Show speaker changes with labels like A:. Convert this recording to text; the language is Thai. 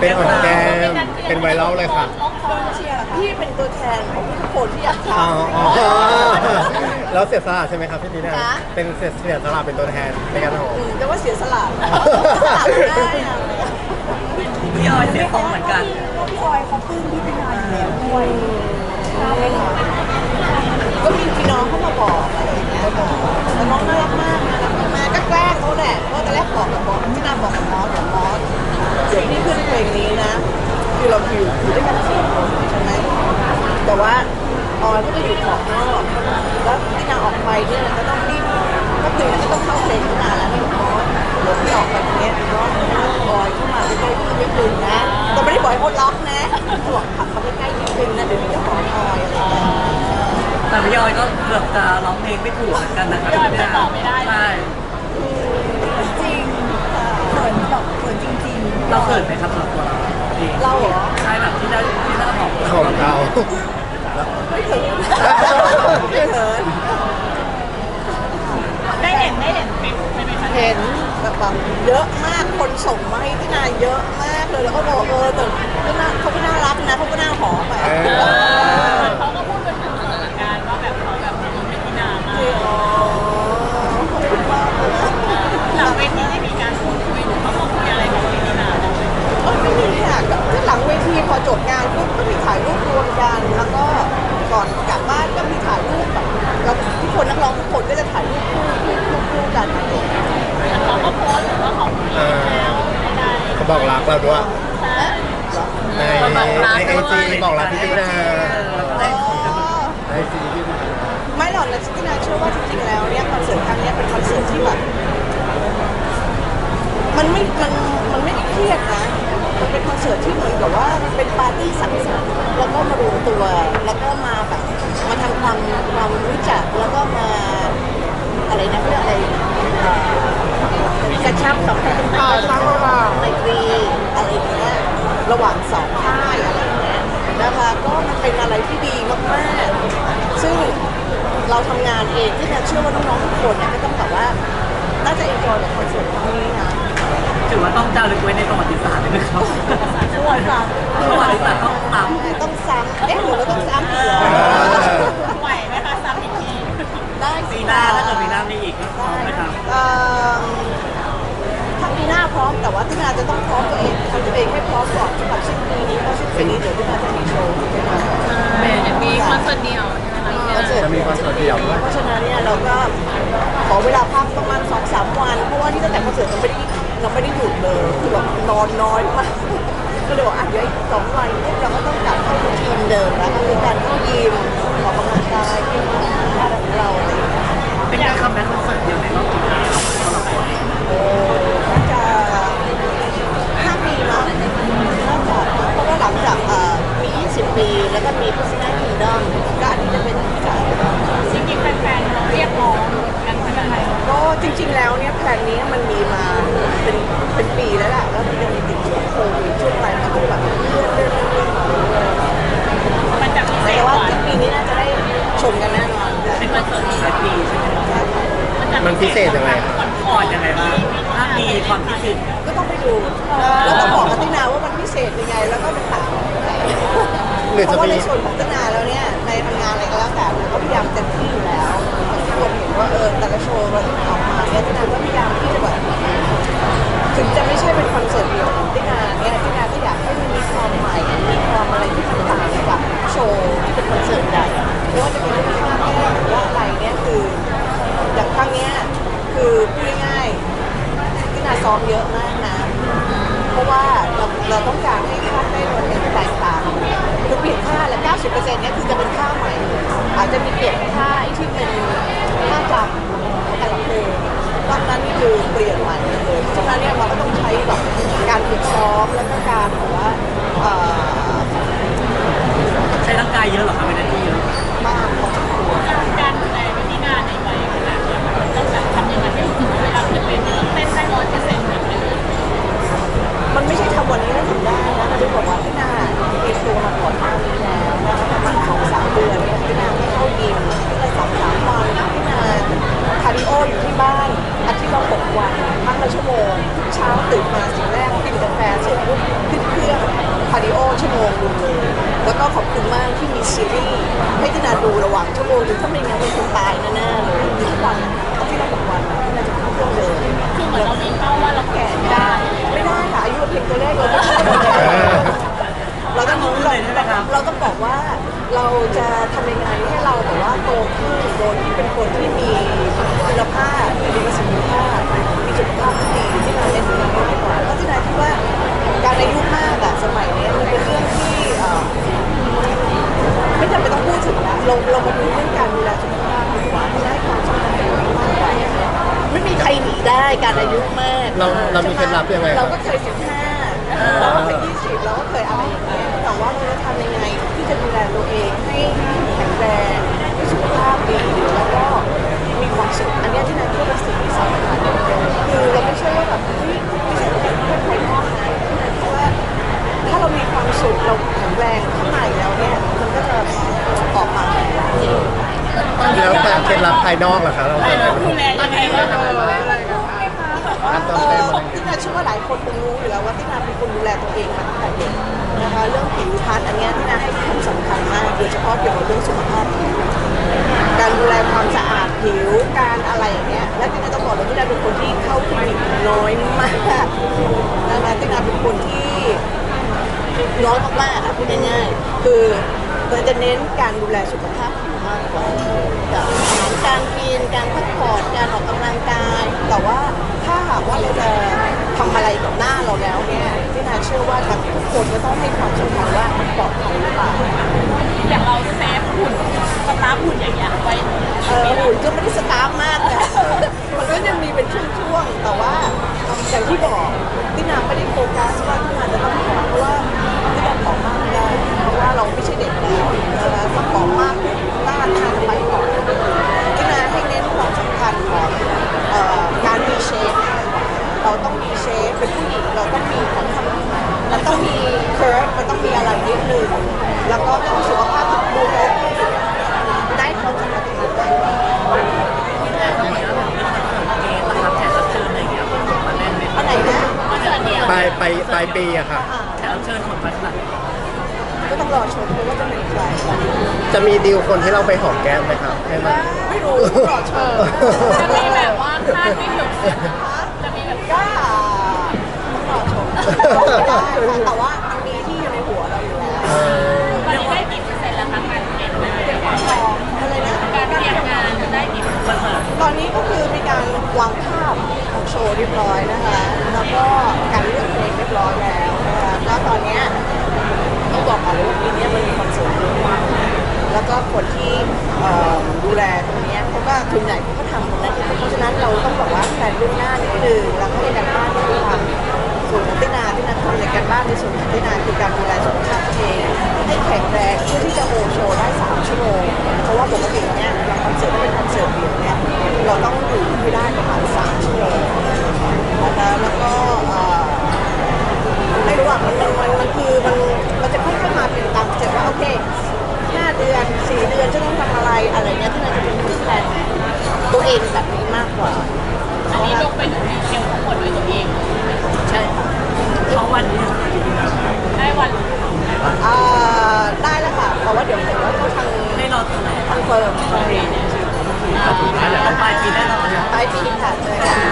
A: เป็นของแก้มเป็นไวรัลเลยค่ะ
B: เชียร์พี่เป็นตัวแทนของทุกคนที่อยากท
A: อ๋อ
B: ำ
A: แล้วเสียสละใช่ไหมครับพี่ตีน่า
B: คะ
A: เป็นเสียสละเป็นตัวแทนในการทำ
B: แต่ว่าเสียสละได้อะ
C: พี่ออยเสียของเหมือนกัน
B: พี่ออยเขาปลื้มพี่ตินาอยู่แล้วด้วยก็มีพี่น้องเข้ามาบอกอะไรอย่างเงี้ยแล้วน้องน่ารักมากนะมาก็แกล้งเขาแหละเพราะตอนแรกบอกพี่นาบอกกับมอสเดี๋ยวพี่ขึ้นเพลงนี้นะคือเราอยู่ด้วยกัน4 คนใช่ไหมแต่ว่าออยก็จะอยู่ขอบนอกแล้วพี่นาออกไปเนี่ยก็ต้องรีบก็ตื่นก็ต้องเข้าเพลงขึ้นมาแล้วนี่มอสเดี๋ยวพี่ออกไปเนี้ยน้องออยเข้ามาใกล้ๆพี่นิดนึงนะแต่ไม่ได้บอกให้เขาล็อกนะเขาบอกขับเขาไปใกล้นิดนึงนะเดี๋ยวพี่จะขอออยอะไรอย่างเงี้ย
C: แต่พี่ออยก็เกือบจะร้องเพลงไม่ถูกเหมือนกันนะครับ
D: พี่ออยไปต่อไม่ได้
C: ใช่
B: จริงเขินแบบเขินจริงๆ
C: เราเขินไหมครับสำหรับตัวเราเอง
B: เราเหรอ
C: ใช่แบบที่ได้บอก
A: ของเรา
B: ไม่เขินไม่เขิน
D: ได้เห็นคลิปใช่ไหมคะ
B: เห็นแบบเยอะมากคนส่งมาให้พี่นาเยอะมากเลยแล้วก็บอกแต่ก็น่าเขาก็น่ารักนะเขาก็น่าหอมไป
D: เขาก็พูดเป็นสถานการณ์ว่าแบบเขาแบบเป็นที่นามาก
B: อ๋อขอบคุณมากเลยนะ
D: หลังเวทีได้มีการพูดคุยหรือเขาบอกคุยอะไรกับพี่นาบ้างไหม
B: ไม่มีค่ะก็หลังเวทีพอจบงานปุ๊บก็มีถ่ายรูปรวมกันแล้วก็ก่อนกลับบ้านก็มีถ่ายรูปแบบเราทุกคนนักร้องทุกคนก็จะถ่ายรูปคู่กันอะไรอย่างเงี้ย
D: เขาก็โพสต์ว่าเขาคุยแล้วได้
A: เขาบอกรักเราด้วย
D: ใช่
A: ในไอจีบอกรักพี่ตีน่าในไอจีพี่ตีน่า
B: ไม่หรอกนะที่นาเชื่อว่าจริงๆแล้วเนี่ยคอนเสิร์ตครั้งนี้เป็นคอนเสิร์ตที่แบบมันไม่ได้เครียดนะมันเป็นคอนเสิร์ตที่เหมือนกับว่าเป็นปาร์ตี้สังสรรค์แล้วก็มารวมตัวแล้วก็มาแบบมาทำความรู้จักแล้วก็มาอะไรนะเรื่องอะไรกระชับสัมพันธ์ไมตรีอะไรอย่างเงี้ยระหว่างสองค่ายอะไรอย่างเงี้ยนะคะก็มันเป็นอะไรที่ดีมากๆซึ่งเราทำงานเองที่เชื่อว่าน้องๆทุกคนเนี่ยก็ต้องแบบว่าน่าจะเอ็นจอยกับคอนเสิร์ตครั้งนี้นะ
C: ถือว่าต้องจารึกไว้ในประวัติศาสตร์เลยนะครับ
B: ประวัติศาสตร์
C: ประวัติศาสตร์ต้องตาม
B: ต้องซ้ำหรือเราต้องซ้ำอีกเหรอ
D: ไหวไหมคะซ้ำอีกที
B: ได้สิ
C: ปีหน้าถ้าเกิดปีหน้ามีอีกก็พร้อมนะครับ
B: ถ้าปีหน้าพร้อมแต่ว่าที่นาจะต้องพร้อมตัวเองทำตัวเองให้พร้อมก่อนสำหรับสิ้นปีนี้เพราะสิ้นปีนี้เดี๋ยวที่นาจะมีโชว์ที่นา
D: มีคอนเสิร์ตเดียวใช่ไหมคะ
A: จะมีคอนเสิร์ตเดี่ยวด้วย
B: เพราะฉะนั้นเนี่ยเราก็ขอเวลาพักประมาณ2-3 วันเพราะว่าที่ตั้งแต่คอนเสิร์ตเราไม่ได้หยุดเลยคือแบบนอนน้อยมากก็เลยบอกอ่ะเดี๋ยวอีก2 วันพวกเราก็ต้องกลับเข้ารูทีนเดิมแล้วก็คือการเข้ายิมออกกำลังกายที่บ้านของเราอะไรอย่างเงี้ย
C: เป็นการคัมแบ็คคอนเสิร์ตเดียวในรอบกี่ปีครับสำหรับตัวเอง
B: น่าจะ5 ปีมั้งน่าจะเพราะว่าหลังจากมี20 ปีแล้วก็มีพัฒนาคิงดอมก็อันนี้จะเป็นที่จ่าย
D: จริงๆแฟนๆเราเรียกร้องกันขนาดไหน
B: ก็จริงๆแล้วเนี่ยแผนนี้มันมีมาเป็นปีแล้วแหละแล้วมันยังมีติดช่วงโควิดช่วงอะไรมันก็แบบเลื่อน
D: มันจะพิเศ
B: แต่
D: ษก
B: ว่า
D: ว่า
B: ปีนี้น่าจะได้ชมกันแน่นอน
C: เป็นคอนเสิร์ตหลายปีใช่ไหมครับ
A: มันพิเศษยังไงครับ
C: คอร์ดยังไงบ้างถ้ามีความพิเศษ
B: ก็ต้องไปดูแล้วก็บอกกับตินาว่ามันพิเศษยังไงแล้วก็ไปถาม
A: หรือ
B: เพ
A: จะ
B: ราะว่า
A: มี
B: ในส่วนของตินาแล้วเนี่ยในทำงานอะไรก็แล้วแต่ก็พยายามเต็มที่อยู่แล้วทุกคนเห็นว่าแต่ละโชว์เราที่ออกมาเนี่ยตินาก็พยายามที่จะแบบถึงจะไม่ใช่เป็นคอนเสิร์ตเดียวของตินาเนี่ยตินาก็อยากให้มันมีความใหม่มีความอะไรที่มันต่างจากโชว์ที่เป็นคอนเสิร์ตใหญ่ไม่ว่าจะเป็นเรื่องภาพแก้หรือว่าอะไรเนี่ยคืออย่างครั้งเนี้ยคือพูดง่ายๆตินาซ้อมเยอะมากนะ เพราะว่าเราต้องการให้ภาพได้มันแตกต่างคือเปลี่ยนท่าและ 90% เนี่ยคือจะเป็นท่าใหม่ อาจจะมีเปลี่ยนท่าที่เป็นท่าจำแต่ละเพลงตอนนั้นนี่คือเปลี่ยนใหม่เลยเพราะฉะนั้นเนี่ยเราก็ต้องใช้แบบการฝึกซ้อมแล้วก็การแบบว่า
C: ใช้ร่างกายเยอะเหรอครับเป็นที่เยอะ
B: มากพอสมควร
D: การดูแลเป็นที่งานในวัยขนาดนี้ต้องแบบทำยังไงให้รู้สึกว่าเวลาจะเป็นเต้นได้100%แบบนี้
B: มันไม่ใช่ทำวันนี้แล้วทำได้นะมันจะบอกว่าพี่นาเตรียมตัวมาก่อนหน้านี้แล้วนะคะประมาณ2-3 เดือนเนี่ยพี่นาไม่เข้ายิมก็2-3 วันพี่นาคาร์ดิโออยู่ที่บ้านอาทิตย์ละ6 วันพักละชั่วโมงทุกเช้าตื่นมาสิ่งแรกกินกาแฟเสร็จปุ๊บขึ้นเครื่อง
A: เรามีเคล็ดลับยังไงค
B: เรา
A: รับ
B: ก็เคย15เราก็เคย20เราก็เคยอะไรอย่างเงี้ยแต่ว่าเราจะทำยังไงที่จะดูแลตัวเองให้แข็งแรงให้สุขภาพดีแล้วก็มีความสุขอันเนี้ยที่นั่นก็เป็นสิ่งที่สำคัญคือเราไม่ใช่ว่าแบบเฮ้ยไม่ใช่แค่ภายนอกนะเพราะว่าถ้าเรามีความสุขเราแข็งแรงข้างในแล้วเนี่ยมันก็จะออกมา
A: แล้วแต่เคล็ดลับภายนอกล่ะคะเราจะ
D: ดูแลยังไงบ้าง
B: ที่นาเชื่อว่าหลายคนคงรู้อยู่แล้วว่าที่นาเป็นคนดูแลตัวเองมาตั้งแต่เด็กนะคะเรื่องผิวพรรณอันเนี้ยที่นาให้ความสำคัญมากโดยเฉพาะเกี่ยวกับเรื่องสุขภาพผิวการดูแลความสะอาดผิวการอะไรอย่างเงี้ยและที่นาต้องบอกเลยที่นาเป็นคนที่เข้าคลินิกน้อยมากนะคะที่นาเป็นคนที่น้อยมากๆพูดง่ายๆคือเราจะเน้นการดูแลสุขภาพผิวมากกว่าจากอาหารการกินการพักผ่อนการออกกำลังกายแต่ว่าถ้าหากว่าเราจะทำอะไรกับหน้าเราแล้วเนี่ยที่นาเชื่อว่าทุกคนก็ต้องให้ความสำคัญว่ามันปลอดภัยหรือเปล่า
D: อย่างเราเซฟหุ่นสตาร์ฟหุ่นอย่างเงี้ยไว้
B: หุ่นก็ไม่ได้สตาร์ฟมากนะมันก็ยังมีเป็นช่วงๆแต่ว่าอย่างที่บอกที่นาไม่ได้โฟกัสว่าที่นาจะต้องผอมเพราะว่าที่นาผอมมากไม่ได้เพราะว่าเราไม่ใช่เด็กแล้วนะคะถ้าผอมมากหน้าที่นาจะไปก่อนที่นาให้เน้นความสำคัญของการมีเชฟเราต้องมีเชฟเป็นผู้หญิงเราต้องมีของทำมันต้องมีเคิร์ฟมันต้องมีอะไรนิดนึงแล้วก็ต้องสุขภาพดูแลได้ความสำคัญตรงนั้นได้
C: นะครับแขกรับเชิญอะไรอย่างเงี้ยมาเล่นเป็น
B: อันไหนนะ
D: ก็เจอเดียว
A: ปลายปีอะค่ะ
C: แขกรับเชิญคนมาขนาด
B: ก็ต้องรอชมดูว่าจะเป็นใคร
A: จะมีดีลคนที่เราไปหอมแก้มไหมครับให้มัน
B: ไม่รู้ต้องรอชม
D: จะมีแบบว่าคาดไม่ถึงจะมีแบบ
B: ก็ต้องรอชมได้ค่ะแต่ว่ามันมีที่อยู่ในหัวเราอยู่แล้ว
D: ตอนนี้ได้กี่เปอร์เซ็นต์แล้วคะการเตรียมงาน
B: อะไรนะ
D: การเตรียมงานจะได้กี่เปอร์เซ็นต์
C: คอนเสิร์ต
B: ตอนนี้ก็คือมีการวางภาพของโชว์เรียบร้อยนะคะ แล้วก็การเลือกเพลงเรียบร้อยแล้วนะคะแล้วตอนเนี้ยต้องบอกก่อนเลยว่าปีนี้มันมีคอนเสิร์ตเยอะมากแล้วก็คนที่ดูแลตรงเนี้ยเขาก็ทุนใหญ่เขาก็ทำตรงนั้นเพราะฉะนั้นเราต้องบอกว่าแผนล่วงหน้านิดนึงแล้วก็ในการบ้านที่ทำส่วนของตินาทำในการบ้านในส่วนของตินาคือการดูแลสุขภาพตัวเองให้แข็งแรงเพื่อที่จะโฮโชว์ได้3 ชั่วโมงเพราะว่าปกติเนี่ยเราคอนเสิร์ตถ้าเป็นคอนเสิร์ตเดี่ยวเนี่ยเราต้องอยู่ให้ได้ประมาณ3 ชั่วโมงนะคะแล้วก็ไม่รู้ว่ามันคือมันจะค่อยๆมาเป็นตามสเต็ปว่าโอเค5 เดือน4 เดือนจะต้องทำอะไรอะไรเนี้ยที่เราจะเป็นแผนตัวเองแบบนี้มากกว่า
D: อันนี้ลงไปถึงดีเทลทั้งหมดด้วยตัวเอง
B: ใช่ค่ะ
C: เขาวันนี้
D: ได้วัน
B: ได้แล้วค่ะแต่ว่าเดี๋ยวเขาทาง
C: ให้รอแถลง
B: คอนเฟิร์ม
C: สุดท้ายแล้วปลายปีได้รอ
B: ปลายปีค่ะเจอกัน